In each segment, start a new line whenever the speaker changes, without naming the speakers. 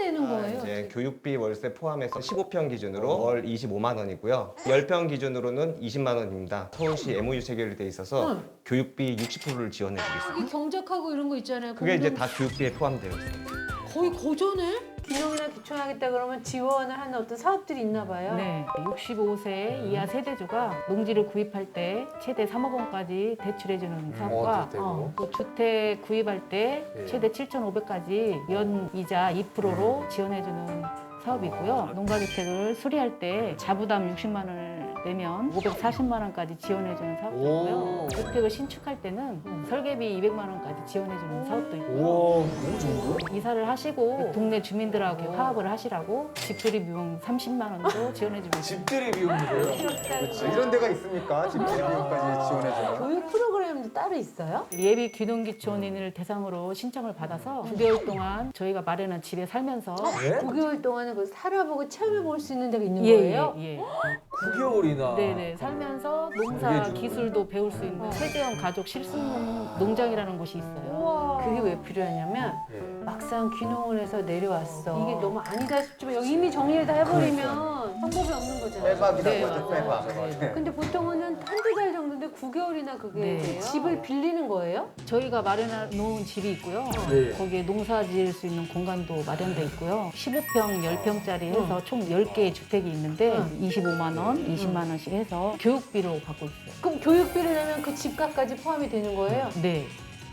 되는 거예요?
이제 교육비 월세 포함해서 15평 기준으로 월 25만 원이고요. 10평 기준으로는 20만 원입니다. 서울시 MOU 체결이 돼 있어서 교육비 60%를 지원해 드리겠습니다.
여기 경작하고 이런 거 있잖아요.
그게 이제
공동-
다 교육비에 포함되어 있습니다.
거의 고전에?
귀농이나 기촌하겠다 그러면 지원을 하는 어떤 사업들이 있나 봐요.
네, 65세 이하 세대주가 농지를 구입할 때 최대 3억 원까지 대출해주는 사업과
대출되고.
또 주택 구입할 때
예.
최대 7,500까지 연 이자 2%로 지원해주는 사업이 있고요. 농가주택을 수리할 때 자부담 60만 원을 내면 540만 원까지 지원해주는 사업도 있고요.
오.
주택을 신축할 때는 설계비 200만 원까지 지원해주는 사업도 있고요.
우와, 너무 좋은데?
이사를 하시고 동네 주민들하고 화합을 하시라고 집들이 비용 30만 원도 지원해주고 있습니다.
집들이 비용이고요. 그렇지. 이런 데가 있습니까? 집들이 비용까지 지원해주는.
교육 프로그램도 따로 있어요?
예비 귀농기촌인을 대상으로 신청을 받아서 9개월 동안 저희가 마련한 집에 살면서
네?
9개월 동안은 그 살아보고 체험해 볼 수 있는 데가 있는
예,
거예요?
예, 예.
9개월이나.
네네 살면서 농사
그게 좀-
기술도 배울 수 있는 세대형 가족 실습 농장이라는 곳이 있어요.
그게 왜 필요하냐면
예.
막상 귀농을 해서 내려왔어. 이게 너무 아니다 싶지만 여기 이미 정리를 다 해버리면 방법이 없는 거잖아요.
빼박이라고
네,
하죠,
맞아요.
빼박.
네.
근데 보통은 한두 달 정도인데 9개월이나 그게
네.
돼요? 집을 빌리는 거예요?
저희가 마련해 놓은 집이 있고요.
네.
거기에 농사 지을 수 있는 공간도 마련돼 있고요. 15평, 10평짜리 해서 총 10개의 주택이 있는데 25만 원, 20만 원씩 해서 교육비로 받고 있어요.
그럼 교육비를 내면 그 집값까지 포함이 되는 거예요?
네.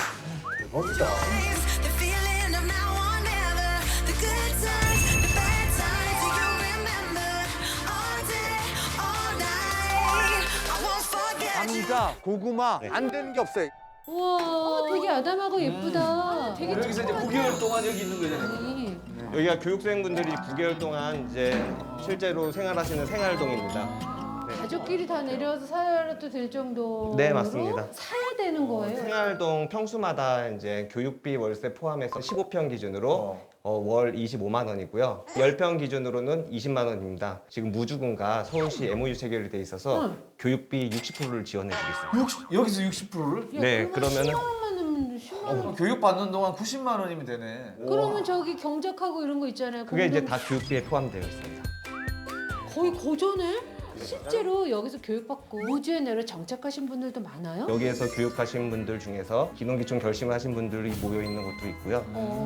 대박이다.
The feeling of now or never. The good times, the bad times. Do you remember? All day, all night. I won't forget you.
감자, 고구마 안 되는 게 없어요.
우와, 되게 아담하고 예쁘다. 되게
여기서 이제
착하다.
9개월 동안 여기 있는 거잖아요.
아니,
여기가 교육생분들이 9개월 동안 이제 실제로 생활하시는 생활동입니다.
가족끼리 다 내려와서 살아도 될 정도로
네, 맞습니다.
사야 되는 거예요.
생활동 평수마다 이제 교육비 월세 포함해서 15평 기준으로 월 25만 원이고요. 10평 기준으로는 20만 원입니다. 지금 무주군과 서울시 MOU 체결이 돼 있어서 교육비 60%를 지원해 드리겠습니다.
여기서 60%를?
네, 그러면은
10만 원만 내면 10만 원.
교육 받는 동안 90만 원이면 되네.
그러면 저기 경작하고 이런 거 있잖아요.
그게 이제
공동-
다 교육비에 포함되어 있습니다.
거의 고전에? 실제로 여기서 교육받고 무주에 내려 정착하신 분들도 많아요?
여기에서 교육하신 분들 중에서 귀농귀촌 결심을 하신 분들이 모여 있는 곳도 있고요.